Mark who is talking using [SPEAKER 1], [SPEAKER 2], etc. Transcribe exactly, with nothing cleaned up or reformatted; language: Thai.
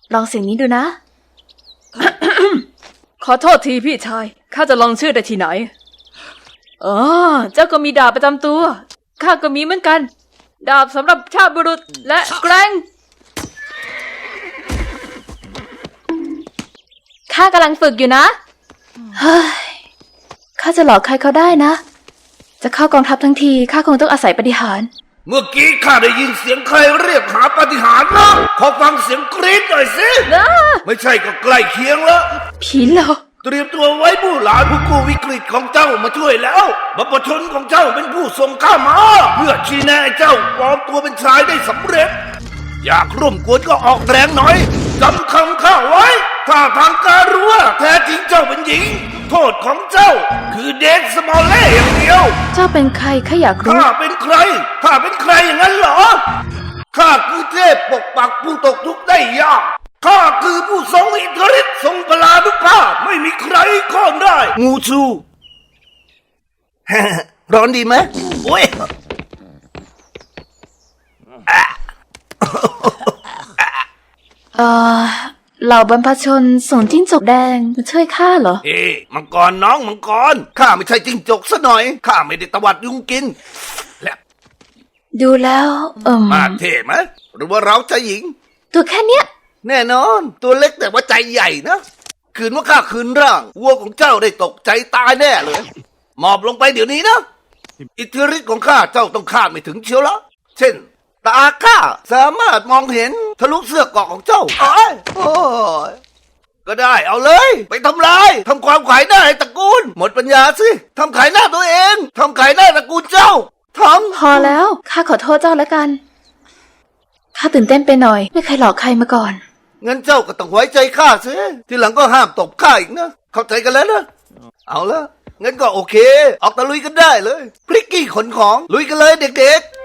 [SPEAKER 1] ลองเสียงนี้ดูนะ
[SPEAKER 2] ขอโทษทีพี่ชายข้าจะลองชื่อได้ที่ไหนอ๋อเจ้าก็มีดาบประจำตัวข้าก็มีเหมือนกันดาบสำหรับชาติบุรุษและแกร่ง
[SPEAKER 1] ข้ากำลังฝึกอยู่นะ เฮ้ย ข้าจะหลอกใครเขาได้นะ จะเข้ากองทัพทั้งทีข้าคงต้องอาศัยปาฏิหาริย์
[SPEAKER 3] เมื่อกี้ข้าได้ยินเสียงใครเรียกหาปาฏิหาริย์นะขอฟังเสียงกรี๊ดหน่อยสิ
[SPEAKER 2] นะ
[SPEAKER 3] ไม่ใช่ก็ใกล้เคียงแล้ว
[SPEAKER 1] ผีหลอก
[SPEAKER 3] เตรียมตัวไว้ผู้หลานผู้กู้วิกฤตของเจ้ามาช่วยแล้วบัพชนของเจ้าเป็นผู้ส่งข้ามาเพื่อชี้แนะให้เจ้าปลอมตัวเป็นชายได้สำเร็จอยากร่วมกวนก็ออกแรงหน่อยจำคำข้าไว้ถ้าทางการรู้ว่าแท้จริงเจ้าเป็นหญิงโทษของเจ้าคือเดทสมอลเล่อย่างเดียว
[SPEAKER 1] เจ้าเป็นใครข้าอยากรู้
[SPEAKER 3] ข้าเป็นใครข้าเป็นใครอย่างนั้นเหรอข้าคือเทพปกปักผู้ตกทุกข์ได้ยากข้าคือผู้ทรงอิทธิฤทธิ์ทรงพลานุภาพไม่มีใครข้องได้งูชู ร้อนดีไหมโอ้ย
[SPEAKER 1] เอ่อ เหล่าบรรพชนส่งจิ้งจกแดงมาช่วยข้าเหรอ
[SPEAKER 3] เอ๊ะมังกรน้องมังกรข้าไม่ใช่จิ้งจกซะหน่อยข้าไม่ได้ตวัดยุงกินและ
[SPEAKER 1] ดูแล้วเอิ่ม
[SPEAKER 3] มาเท่ไหมหรือว่าเราจะหญิง
[SPEAKER 1] ตัวแค่เนี้ย
[SPEAKER 3] แน่นอนตัวเล็กแต่ว่าใจใหญ่นะคืนว่าข้าคืนร่างวัวของเจ้าได้ตกใจตายแน่เลยหมอบลงไปเดี๋ยวนี้นะอิทธิฤทธิ์ของข้าเจ้าต้องคาดไม่ถึงเชียวละเช่นตาข้าสามารถมองเห็นทะลุเสื้อเกราะของเจ้าโอ้ยโอ้ยก็ได้เอาเลยไปทำลายทำความขายหน้าให้ตระกูลหมดปัญญาสิทำขายหน้าตัวเองทำขายหน้าตระกูลเจ้าทำ
[SPEAKER 1] พอแล้วข้าขอโทษเจ้าแล้วกันข้าตื่นเต้นไปหน่อยไม่เคยหลอกใครมาก่อน
[SPEAKER 3] งั้นเจ้าก็ต้องไว้ใจข้าสิทีหลังก็ห้ามตบข้าอีกนะเข้าใจกันแล้วนะเอาละงั้นก็โอเคออกตะลุยกันได้เลยพริกกี้ขนของลุยกันเลยเด็กๆ